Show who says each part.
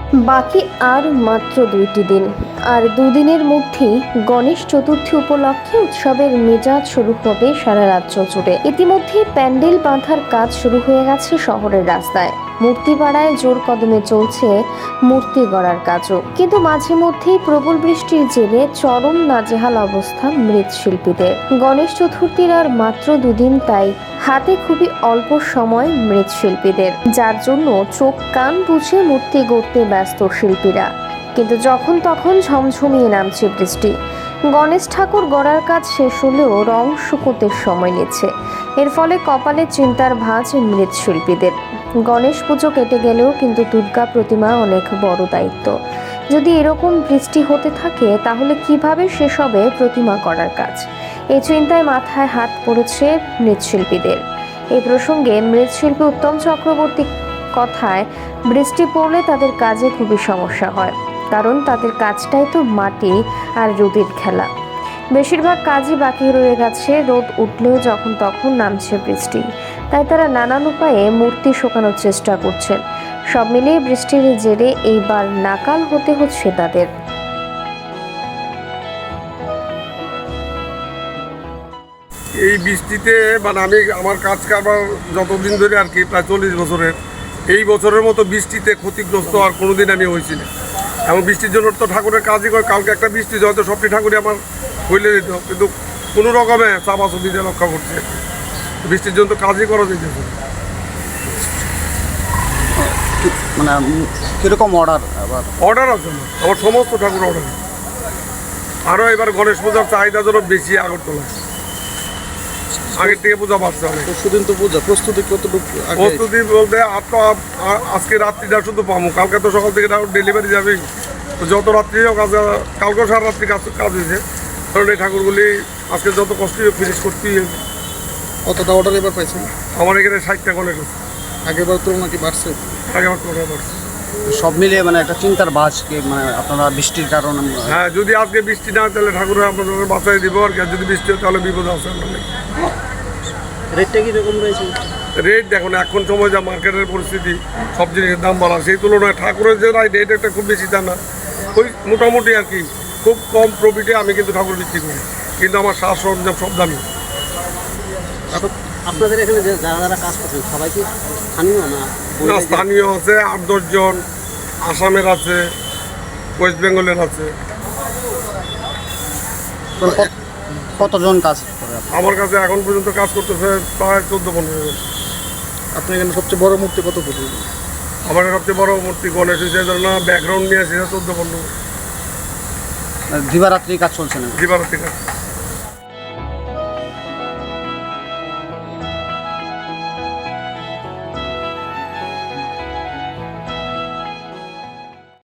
Speaker 1: বাকি আর মাত্র 2টি দিন, আর দুদিনের মধ্যেই গণেশ চতুর্থী উপলক্ষে উৎসবের মেজাজ শুরু হবে সারা রাজ্য জুড়ে। ইতিমধ্যে প্যান্ডেল বাঁধার কাজ শুরু হয়ে গেছে শহরের রাস্তায়। মূর্তিপাড়ায় জোর কদমে চলছে মূর্তি গড়ার কাজও, কিন্তু মাঝে মধ্যেই প্রবল বৃষ্টির জেরে চরম নাজেহাল অবস্থা মৃৎশিল্পীদের। গণেশ চতুর্থীর আর মাত্র 2 দিন, তাই হাতে খুবই অল্প সময় মৃৎশিল্পীদের, যার জন্য চোখ কান বুঝে মূর্তি গড়তে ব্যস্ত শিল্পীরা। কিন্তু যখন তখন ঝমঝমিয়ে নামছে বৃষ্টি। গণেশ ঠাকুর গড়ার কাজ শেষ হলেও রং শুকোতে সময় নিচ্ছে। এর ফলে কপালে চিন্তার ভাঁজ মৃৎশিল্পীদের। গণেশ পুজো কেটে গেলেও কিন্তু দুর্গা প্রতিমা অনেক বড় দায়িত্ব। যদি এরকম বৃষ্টি হতে থাকে তাহলে কিভাবে শেষ হবে প্রতিমা করার কাজ? এই চিন্তায় মাথায় হাত পড়েছে মৃৎশিল্পীদের। এই প্রসঙ্গে মৃৎশিল্পী উত্তম চক্রবর্তী কথায়, বৃষ্টি পড়লে তাদের কাজে খুবই সমস্যা হয়, কারণ তাদের কাজটাই তো মাটি আর রোদের খেলা। বেশিরভাগ কাজই বাকি রয়ে গেছে, রোদ উঠলেও যখন তখন নামছে বৃষ্টি, তাই তারা নানান উপায়ে মূর্তি শুকানোর চেষ্টা করছেন। সব মিলিয়ে বৃষ্টির জেরে এইবার নাকাল হতে হচ্ছে তাদের।
Speaker 2: এই বৃষ্টিতে আমি আমার কাজ কারবার যতদিন ধরে আর কি, প্রায় 40 বছরের, এই বছরের মতো বৃষ্টিতে ক্ষতিগ্রস্ত আর কোনোদিন আমি হয়েছি না। এবং বৃষ্টির জন্য তো ঠাকুরের কাজই করে, কালকে একটা বৃষ্টি হয়তো সবটি ঠাকুরই আমার হইলে দিত, কিন্তু কোনো রকমে চাপাচুপি দিয়ে রক্ষা করছে। বৃষ্টির জন্য তো কাজই করা যেতেছে।
Speaker 3: কিরকম অর্ডার?
Speaker 2: অর্ডার আছে না, আমার সমস্ত ঠাকুর অর্ডার। আরও এবার গণেশ পূজার চাহিদা যেন বেশি আগরতলায়, আগের থেকে পূজা বাড়ছে অনেক।
Speaker 3: সুদিন তো পূজা প্রস্তুতি কতটুকু?
Speaker 2: প্রস্তুতি বলতে আজকে রাত্রিটা শুধু পাবো, কালকে তো সকাল থেকে ডেলিভারি যাবে, তো যত রাত্রি হোক কালকে সারা রাত্রি কাজ হয়েছে, কারণ এই ঠাকুরগুলি আজকে যত কষ্ট ফিনিশ করতেই হবে।
Speaker 3: কতটা অর্ডার এবার পাইছেন?
Speaker 2: আমার এখানে 60টা গণেশ আছে।
Speaker 3: আগেবার তুলনা কি বাড়ছে?
Speaker 2: আগেবার তুলনায় বাড়ছে।
Speaker 3: সব মিলিয়ে একটা চিন্তার বাজ কি, আপনারা বৃষ্টির কারণে?
Speaker 2: হ্যাঁ, যদি আজকে বৃষ্টি না হয় তাহলে ঠাকুর আপনাদের বাঁচাই দিব, আর যদি বৃষ্টি হয় তাহলে বিপদ আছে।
Speaker 3: রেটটা কীরকম রয়েছে?
Speaker 2: রেট দেখুন, এখন সময় যা মার্কেটের পরিস্থিতি, সব জিনিসের দাম বাড়া, সেই তুলনায় ঠাকুরের যে রেট একটা খুব বেশি তা না, ওই মোটামুটি আর কি, খুব কম প্রফিটে আমি কিন্তু ঠাকুর বিক্রি করি, কিন্তু আমার সাজ সরঞ্জাম সব দামি।
Speaker 3: আপনাদের এখানে যারা কাজ করছেন সবাই কি স্থানীয় না?
Speaker 2: স্থানীয় আছে 8-10 জন, আসামের আছে, ওয়েস্ট বেঙ্গলের আছে।
Speaker 3: কতজন কাজ করে?
Speaker 2: আমার কাছে এখন পর্যন্ত কাজ করতেছে প্রায় 14-15 জন।
Speaker 3: আপনার এখানে সবচেয়ে বড় মূর্তি কত ফুট?
Speaker 2: আমার সবচেয়ে বড় মূর্তি গণেশ হিসেবে ধরো না, ব্যাকগ্রাউন্ড নিয়ে সেটা 14-15।
Speaker 3: দিবারাত্রি কাজ চলছে না?
Speaker 2: দিবারাত্রি কাজ।